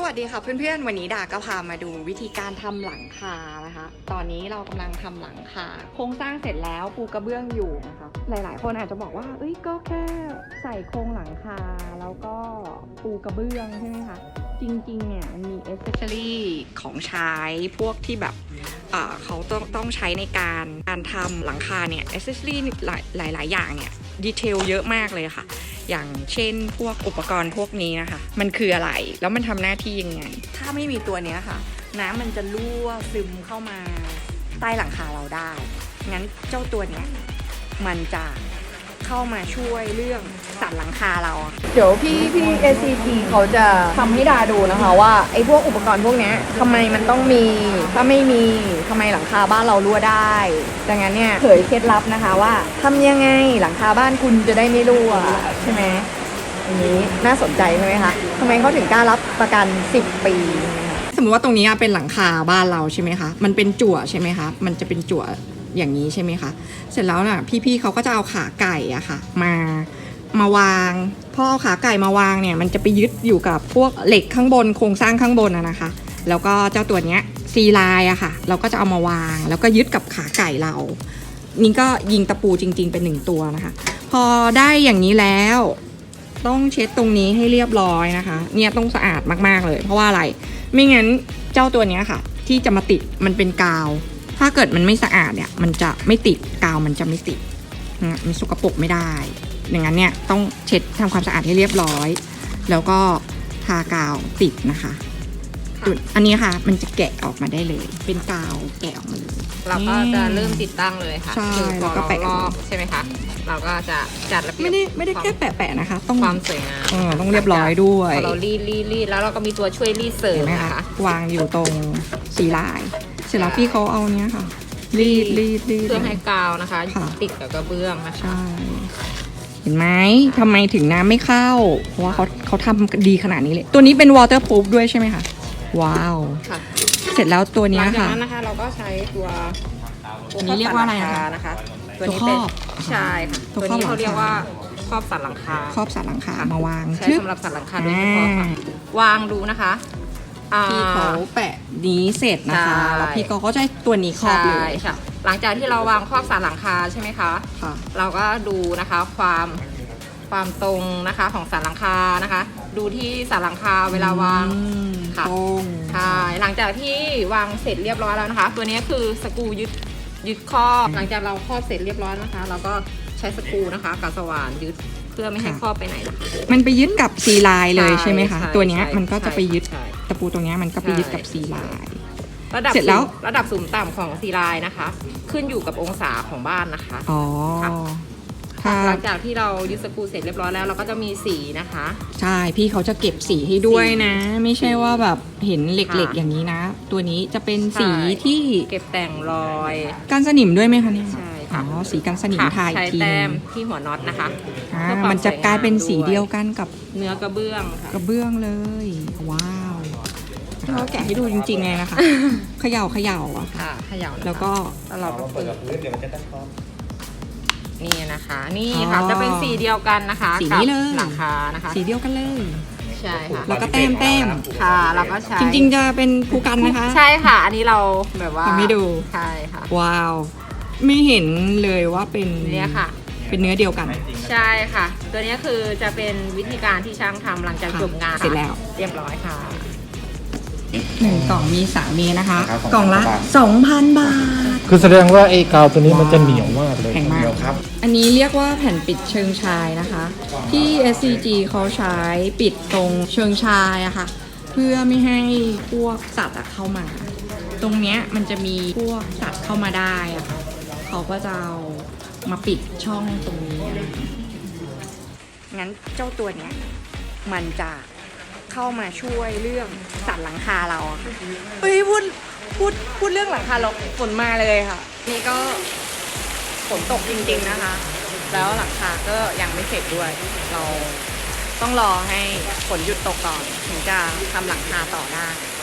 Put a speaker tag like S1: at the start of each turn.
S1: วัสดีค่ะเพื่อนๆวันนี้ดาก็พามาดูวิธีการทำหลังคานะคะตอนนี้เรากำลังทำหลังคาโครงสร้างเสร็จแล้วปูกระเบื้องอยู่นะคะหลายๆคนอาจจะบอกว่าเอ้ยก็แค่ใส่โครงหลังคาแล้วก็ปูกระเบื้องใช่ไหมคะจริงๆเนี่ยมันมีเอเซสซอรี่ของใช้พวกที่แบบเขาต้องใช้ในการทำหลังคาเนี่ยเอเซสซอรี่หลายๆอย่างเนี่ยดีเทลเยอะมากเลยค่ะอย่างเช่นพวกอุปกรณ์พวกนี้นะคะมันคืออะไรแล้วมันทำหน้าที่ยังไงถ้าไม่มีตัวนี้ค่ะน้ำมันจะรั่วซึมเข้ามาใต้หลังคาเราได้งั้นเจ้าตัวเนี้ยมันจะเข้ามาช่วยเรื่องสั่นหลังคาเราเดี๋ยวพี่ SCT เขาจะทำให้ดาดูนะคะว่าไอ้พวกอุปกรณ์พวกนี้ทำไมมันต้องมีถ้าไม่มีทำไมหลังคาบ้านเรารั่วได้ดังนั้นเนี่ยเผยเคล็ดลับนะคะว่าทำยังไงหลังคาบ้านคุณจะได้ไม่รั่วใช่ไหมอันนี้น่าสนใจใช่ไหมคะทำไมเขาถึงกล้ารับประกัน10 ปีสมมติว่าตรงนี้เป็นหลังคาบ้านเราใช่ไหมคะมันเป็นจั่วใช่ไหมคะมันจะเป็นจั่วอย่างนี้ใช่ไหมคะเสร็จแล้วน่ะพี่ๆเขาก็จะเอาขาไก่อะค่ะมาวางพอเอาขาไก่มาวางเนี่ยมันจะไปยึดอยู่กับพวกเหล็กข้างบนโครงสร้างข้างบนนะคะแล้วก็เจ้าตัวเนี้ยซีไลน์อะค่ะเราก็จะเอามาวางแล้วก็ยึดกับขาไก่เรานี่ก็ยิงตะปูจริงๆเป็น1 ตัวนะคะพอได้อย่างนี้แล้วต้องเช็ดตรงนี้ให้เรียบร้อยนะคะเนี่ยต้องสะอาดมากๆเลยเพราะว่าอะไรไม่งั้นเจ้าตัวเนี้ยค่ะที่จะมาติดมันเป็นกาวถ้าเกิดมันไม่สะอาดเนี่ยมันจะไม่ติดกาวมันจะไม่ติดมันสกปรกไม่ได้อย่างนั้นเนี่ยต้องเช็ดทำความสะอาดให้เรียบร้อยแล้วก็ทากาวติดนะคะอันนี้ค่ะมันจะแกะออกมาได้เลยเป็นกาวแกะออกมาเลย
S2: เราก็จะเริ่มติดตั้งเลยค่ะ
S1: คือพอเราลอก
S2: ใช่ไหมคะเราก็จะจัดระเบียบ
S1: ไม่ได้แค่แปะๆนะคะต้อง
S2: ความสวยงาม
S1: ต้องเรียบร้อยด้วย
S2: เรารีดแล้วเราก็มีตัวช่วยรีดเสริมนะคะ
S1: วางอยู่ตรงสีลายเสร็จแล้วพี่เขาเอาเนี้ยค่ะรีด
S2: เพื่อให้กาวนะคะติดกับกระเบื้องนะคะ
S1: ใช่เห็นไหมทำไมถึงน้ำไม่เข้าเพราะว่าเขาทำดีขนาดนี้เลยตัวนี้เป็น waterproof ด้วยใช่ไหมคะว้าวเสร็จแล้วตัวนี้ค่ะ
S2: หลังจากนั้นนะคะเราก็ใช้ตัว
S1: นี้เรียกว่าอะไร
S2: นะคะตัวนี้เป็นใช่ค่ะตัวนี้เขาเรียกว่าครอบสันหลังคา
S1: ครอบสันหลังคามาวาง
S2: ใช้สำหรับสันหลังคาโดยเฉพาะค่ะวางดูนะคะ
S1: พี่เขาแปะนี้เสร็จนะคะแล้วพี่ก็จะตัวนี้ครอบเลย
S2: ค่ะหลังจากที่เราวางครอบสันหลังคาใช่ไหมคะเราก็ดูนะคะความตรงนะคะของสันหลังคานะคะดูที่สันหลังคาเวลาวางค่ะใช่หลังจากที่วางเสร็จเรียบร้อยแล้วนะคะตัวนี้คือสกรูยึดครอบหลังจากเราครอบเสร็จเรียบร้อยนะคะเราก็ใช้สกรูนะคะกับสว่านยึดเพื่อไม่ให้ครอบไปไหนนะคะ
S1: มันไปยึดกับซีไลน์เลยใช่ไหมคะตัวนี้มันก็จะไปยึดตะปูตรงนี้มันก็ไปยึดกับซีไลน์เสร็จแล้ว
S2: ระดับสูงต่ำของซีไลน์นะคะขึ้นอยู่กับองศาของบ้านนะคะ
S1: อ๋อ
S2: หลังจากที่เรายึดสกรูเสร็จเรียบร้อยแล้วเราก็จะมีสีนะคะ
S1: ใช่พี่เขาจะเก็บสีให้ด้วยนะไม่ใช่ว่าแบบเห็นเหล็กๆอย่างนี้นะตัวนี้จะเป็นสีที่
S2: เก็บแต่งรอย
S1: กันสนิมด้วยไหมคะเนี่ย
S2: ใช่ค่ะ
S1: อ๋อสีกันสนิมทาอีกที
S2: ใช้แต้มที่หัวน็อตนะคะ
S1: มันจะกลายเป็นสีเดียวกันกับ
S2: เนื้อกระเบื้อง
S1: กระเบื้องเลยว้าวเขาแกะให้ดูจริงๆเลยนะคะเขย่าอะ
S2: ค่ะเขย่า
S1: แล้วก็
S2: เราเปิดเดี๋ยวมันจะตั้งครอบนี่นะคะนี่ค่ะจะเป็นสีเดียวกันนะคะ
S1: สีนี้เลย
S2: หลังคานะคะ
S1: สีเดียวกันเลย
S2: ใช่ค่ะ
S1: แล้วก็แต้ม
S2: ค่ะเราก็ใช้
S1: จริงๆจะเป็นภูกันนะคะ
S2: ใช่ค่ะอันนี้เราแบบว่า
S1: ทำให้ดู
S2: ใช่ค่ะ
S1: ว้าวไม่เห็นเลยว่าเป็น
S2: เนี่ยค่ะ
S1: เป็นเนื้อเดียวกัน
S2: ใช่ค่ะตัวนี้คือจะเป็นวิธีการที่ช่างทำหลังจากจบงาน
S1: เสร็จแล้ว
S2: เรียบร้อยค่ะ
S1: 1 กล่องมี3 เมตรนะคะกล่องละ 2,000 บาท
S3: คือแสดงว่าไอ้กาวตัวนี้มันจะเหนียวมากเลย
S1: แข็งมากครับอันนี้เรียกว่าแผ่นปิดเชิงชายนะคะที่ SCG เขาใช้ปิดตรงเชิงชายอะค่ะเพื่อไม่ให้พวกสัตว์เข้ามาตรงเนี้ยมันจะมีพวกสัตว์เข้ามาได้อะค่ะเขาก็จะเอามาปิดช่องตรงนี้งั้นเจ้าตัวเนี้ยมันจะเข้ามาช่วยเรื่องสั่นหลังคาเราค่ะเฮ้ยพูดเรื่องหลังคาเราฝนมาเลยค่ะนี่ก็ฝนตกจริงๆนะคะแล้วหลังคาก็ยังไม่เสร็จด้วยเราต้องรอให้ฝนหยุดตกก่อนถึงจะทำหลังคาต่อได้